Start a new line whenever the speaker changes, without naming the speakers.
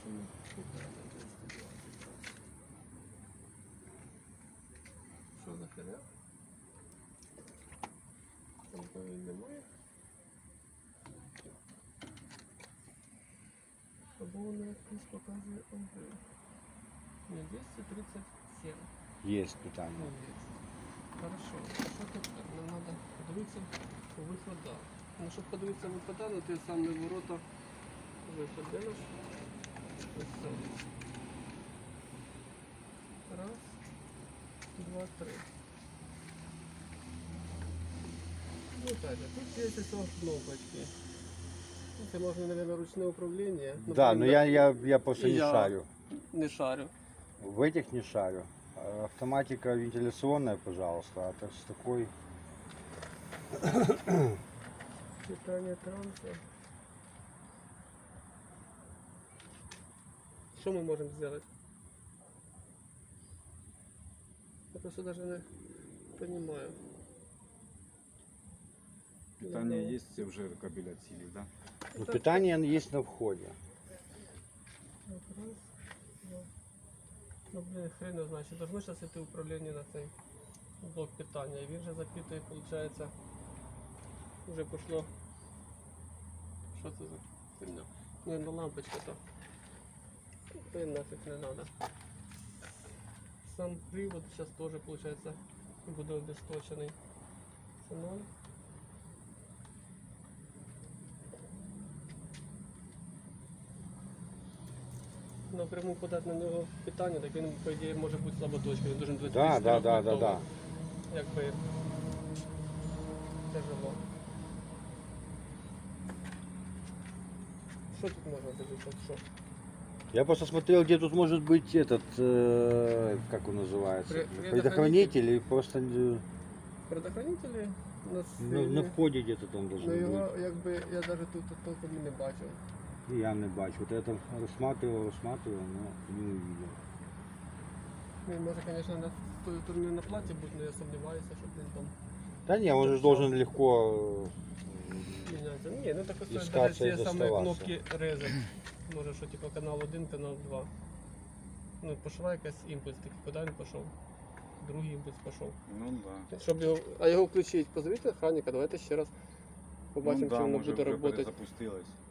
Що за херня? Там повинні немає. Свободно якось показує ОГ. Ні, 237.
Есть питание.
Ну, є. Хорошо. Що тут? Нам треба подивитися по виходах. Ну, щоб подивитися вихода, на ті самі ворота виход. Де наш? Ось це. Раз, два, три. Ну так, тут есть еще кнопочки. Это можно, наверное, ручное управление.
Да, но я просто не
Я-
шарю.
Не шарю.
В этих не шарю. А автоматика вентиляционная, пожалуйста, а так с такой...
Питание транса. Что мы можем сделать? Я просто даже не понимаю.
Питание есть, все уже кабель отсели, да?
Ну, питание есть на входе.
Так, раз, два. Ну, блин, хрен его знает. Должно сейчас идти управление на цей блок питания. И він же запитывает, получается, уже пошло. Что это за херня? Не, ну лампочка-то. Блин, нафиг не надо. Сам привод сейчас тоже, получается, буде обесточенный. Це 0. Напряму подати на нього питання, так він, по ідеї, може бути слаботочкою. Він дуже бути
Да.
Якби тяжело. Що тут можна дивитися? Що?
Я просто смотрел, где тут может быть этот, как он называется, предохранитель и просто
Предохранителі у нас
на входе где-то там должен
ну,
быть.
його, якби, я навіть тут толком і не бачив.
И я не бачу. Вот я там рассматривал, но не увидел.
Він може, звісно, на тої сторони на платі бути, але я сумніваюся, що він там
Да не, он же должен легко...
міняється. Ні, ну так ось
Іскатися
навіть
і
ці самі
доставатися.
кнопки резать. Може, що типу канал 1, канал 2. Ну, пішла якась імпульс, такий, куди він пішов? Другий імпульс пішов.
Ну да.
Щоб його, а його включити, позовіть охранника, давайте ще раз побачимо,
ну, да,
чи воно
може
буде
вже
працювати.
перезапустилось.